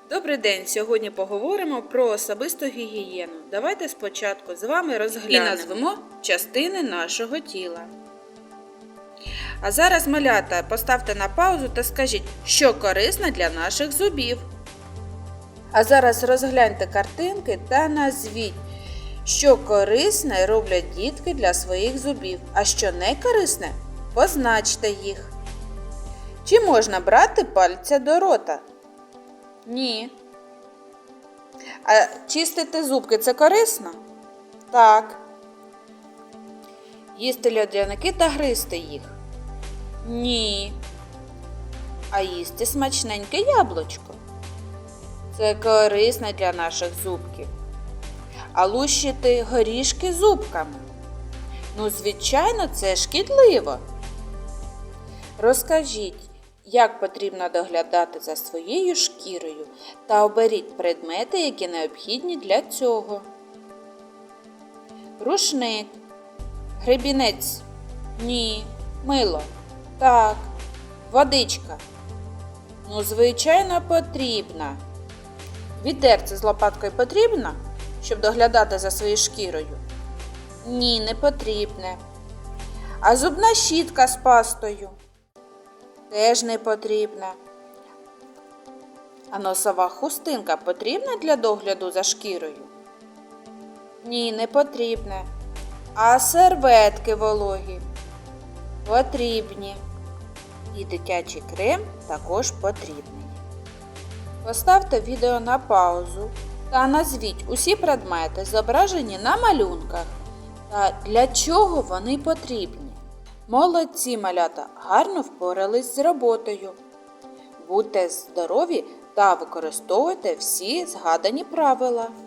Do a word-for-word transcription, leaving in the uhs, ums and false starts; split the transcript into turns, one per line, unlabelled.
Добрий день! Сьогодні поговоримо про особисту гігієну. Давайте спочатку з вами розглянемо і назвемо частини нашого тіла. А зараз, малята, поставте на паузу та скажіть, що корисно для наших зубів. А зараз розгляньте картинки та назвіть, що корисне роблять дітки для своїх зубів, а що не корисне – позначте їх. Чи можна брати пальця до рота? Ні. А чистити зубки – це корисно? Так. Їсти льодяники та гризти їх? Ні. А їсти смачненьке яблучко? Це корисно для наших зубків. А лущити горішки зубками? Ну, звичайно, це шкідливо. Розкажіть, як потрібно доглядати за своєю шкірою та оберіть предмети, які необхідні для цього. Рушник. Гребінець. Ні. Мило. Так. Водичка. Ну, звичайно, потрібна. Відерце з лопаткою потрібно, щоб доглядати за своєю шкірою? Ні, не потрібне. А зубна щітка з пастою? Теж не потрібна. А носова хустинка потрібна для догляду за шкірою? Ні, не потрібна. А серветки вологі? Потрібні. І дитячий крем також потрібний. Поставте відео на паузу та назвіть усі предмети, зображені на малюнках, та для чого вони потрібні. Молодці, малята, гарно впорались з роботою. Будьте здорові та використовуйте всі згадані правила.